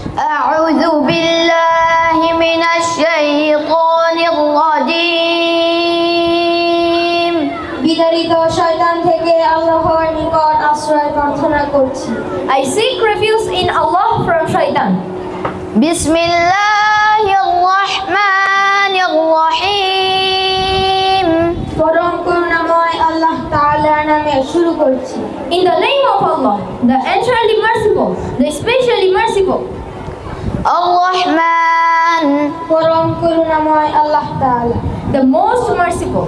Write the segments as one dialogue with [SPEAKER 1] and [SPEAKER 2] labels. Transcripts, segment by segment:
[SPEAKER 1] أعوذ بالله من الشيطان الرجيم
[SPEAKER 2] বিতাড়িত শয়তান থেকে আল্লাহর নিকট আশ্রয় প্রার্থনা করছি।
[SPEAKER 3] I seek refuge in Allah from shaitan.
[SPEAKER 1] بسم الله الرحمن الرحيم
[SPEAKER 2] পরম করুণাময় আল্লাহ তাআলার নামে শুরু করছি।
[SPEAKER 3] In the name of Allah, the entirely merciful, the especially merciful.
[SPEAKER 1] الرحمن
[SPEAKER 2] পরম করুণাময় আল্লাহ তাআলা
[SPEAKER 3] The most merciful.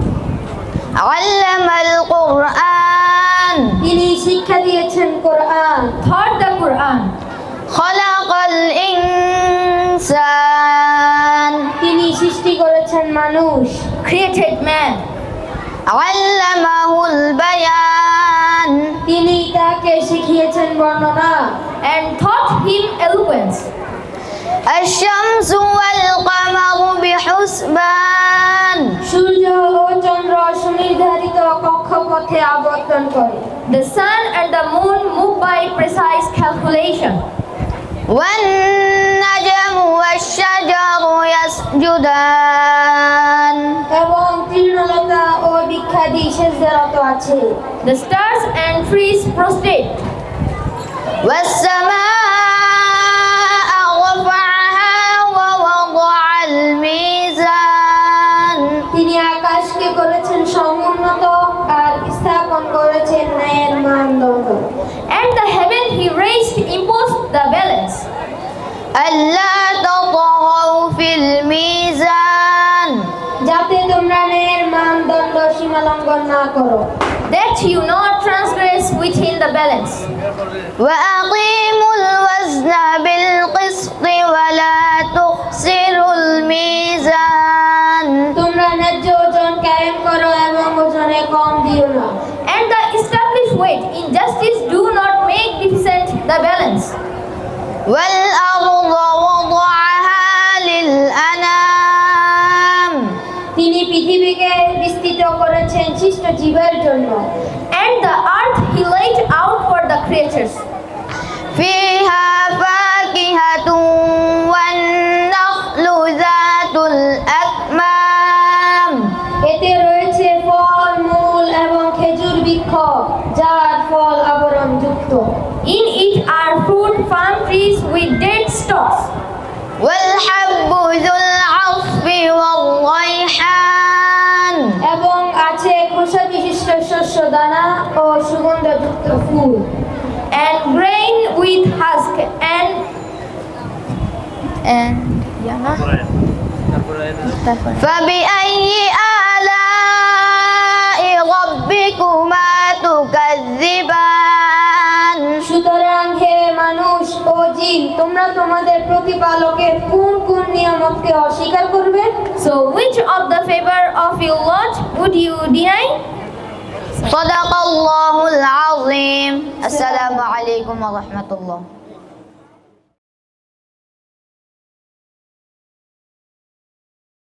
[SPEAKER 1] علم القرآن
[SPEAKER 2] তিনি শিক্ষা দিয়েছেন কোরআন।
[SPEAKER 3] Taught the Quran.
[SPEAKER 1] خلق الإنسان
[SPEAKER 2] তিনি সৃষ্টি করেছেন মানুষ।
[SPEAKER 3] Created man.
[SPEAKER 1] علمه البيان
[SPEAKER 2] তিনি তাকে শিখিয়েছেন বর্ণনা।
[SPEAKER 3] And taught him eloquence.
[SPEAKER 1] الشمس والقمر بحسبان
[SPEAKER 2] সূর্য ও চন্দ্র সুনির্ধারিত কক্ষপথে আবর্তন করে।
[SPEAKER 3] The sun and the moon move by precise calculation.
[SPEAKER 1] والنجم والشجر يسجدان
[SPEAKER 2] এবং তৃণলতা ও বৃক্ষাদি সেজদারত আছে।
[SPEAKER 3] The stars and trees prostrate.
[SPEAKER 1] والسماء رفعها ووضع الميزان
[SPEAKER 2] তিনি আকাশকে করেছেন সমুন্নত আর স্থাপন করেছেন ন্যায়ের মানদণ্ড।
[SPEAKER 3] And the heaven he raised imposed the balance.
[SPEAKER 1] ألا تطغوا في الميزان
[SPEAKER 2] যাতে তোমরা ন্যায়ের মানদণ্ড সীমালঙ্ঘন না করো।
[SPEAKER 3] That you not transgress within the balance.
[SPEAKER 1] وأقيموا الوزن بالقسط ولا تخسروا الميزان
[SPEAKER 2] তোমরা ন্যায্য ওজন কায়েম করো এবং ওজনে কম দিও না।
[SPEAKER 3] And the established weight in justice do not make deficient the balance.
[SPEAKER 1] والأرض وضعها للأنام
[SPEAKER 2] তিনি পৃথিবীকে বিস্তৃত করেছেন সৃষ্ট জীবের জন্য।
[SPEAKER 3] And the earth he laid out for the creatures.
[SPEAKER 1] فيها فاكهة والنخل ذات الأكمام
[SPEAKER 2] এতে রয়েছে ফল মূল এবং খেজুর বৃক্ষ যার ফল আবরণযুক্ত।
[SPEAKER 3] In it are fruit palm trees with dead stalks.
[SPEAKER 1] والحب ذو العصف والريحان
[SPEAKER 2] এবং আছে খোসা বিশিষ্ট শস্য দানা ও সুগন্ধযুক্ত ফুল।
[SPEAKER 3] And grain with husk and
[SPEAKER 1] فبأي آلاء ربكما تكذبان
[SPEAKER 2] সুতরাং হে মানুষ ও জিন তোমরা তোমাদের প্রতিপালকের কোন কোন নিয়ামতকে অস্বীকার করবে?
[SPEAKER 3] so which of the favor of your Lord would you deny?
[SPEAKER 1] صدق الله العظيم السلام عليكم ورحمة الله